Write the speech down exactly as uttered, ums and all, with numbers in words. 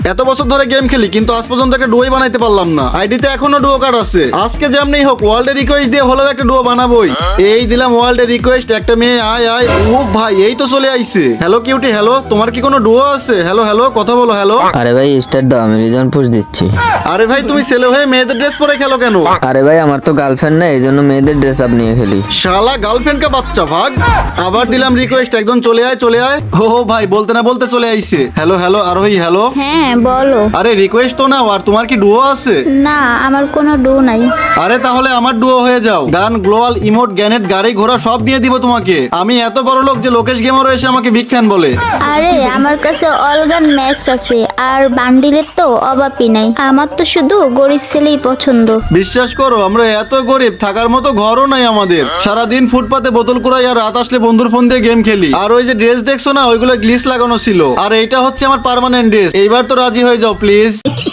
এত বছর ধরে গেম খেলি কিন্তু আজ পর্যন্ত একটা ডুয়োই বানাইতে পারলাম না। আইডিতে এখনো ডুয়ো কার্ড আছে। আজকে যেমনি হোক ওয়ার্ল্ডের রিকোয়েস্ট দিয়ে হলেও একটা ডুয়ো বানাবোই। এই দিলাম ওয়ার্ল্ডের রিকোয়েস্ট, একটা মেয়ে আয় আয়। ও ভাই এই তো চলে আইছে। হ্যালো কিউটি, হ্যালো, তোমার কি কোনো ডুয়ো আছে? হ্যালো হ্যালো, কথা বলো। হ্যালো। আরে ভাই স্টার্ট দাও, আমি রিজন পুশ দিচ্ছি। আরে ভাই তুমি ছেলে হয়ে মেয়েদের ড্রেস পরে খেলো কেন? আরে ভাই আমার তো গার্লফ্রেন্ড নাই, এই জন্য মেয়েদের ড্রেস আপ নিয়ে খেলি। শালা গার্লফ্রেন্ড কা বাচ্চা ভাগ। আবার দিলাম রিকোয়েস্ট, একদম চলে আয় চলে আয়। ও ভাই বলতে না বলতে চলে আইছে। Hello hello Arohi, hello. হ্যাঁ বলো। আরে রিকোয়েস্ট তো নাও, আর তোমার কি ডুয়ো আছে? না আমার কোনো ডু নাই। আরে তাহলে আমার ডুয়ো হয়ে যাও। গান, গ্লোয়াল, ইমোট, গ্যানেট, গাড়ি ঘোড়া সব দিয়ে দিব তোমাকে। আমি এত বড় লোক যে লোকেশ গেমারও এসে আমাকে বিগ ফ্যান বলে। আরে আমার কাছে অলগান ম্যাক্স আছে, আর বান্ডিলের তো অভাবই নাই। আমার তো শুধু গরিব ছেলেই পছন্দ। বিশ্বাস করো আমরা এত গরিব, থাকার মতো ঘরও নাই আমাদের। সারাদিন ফুটপাতে বোতল কুড়াই আর রাত আসলে বন্ধুর ফোন দিয়ে গেম খেলি। আর ওই যে ড্রেস দেখছো না, ওইগুলো গ্লিস লাগানো ছিল। আর এইটা হচ্ছে আমার পার্মানেন্ট ড্রেস। এইবার তো রাজি হয়ে যাও প্লিজ।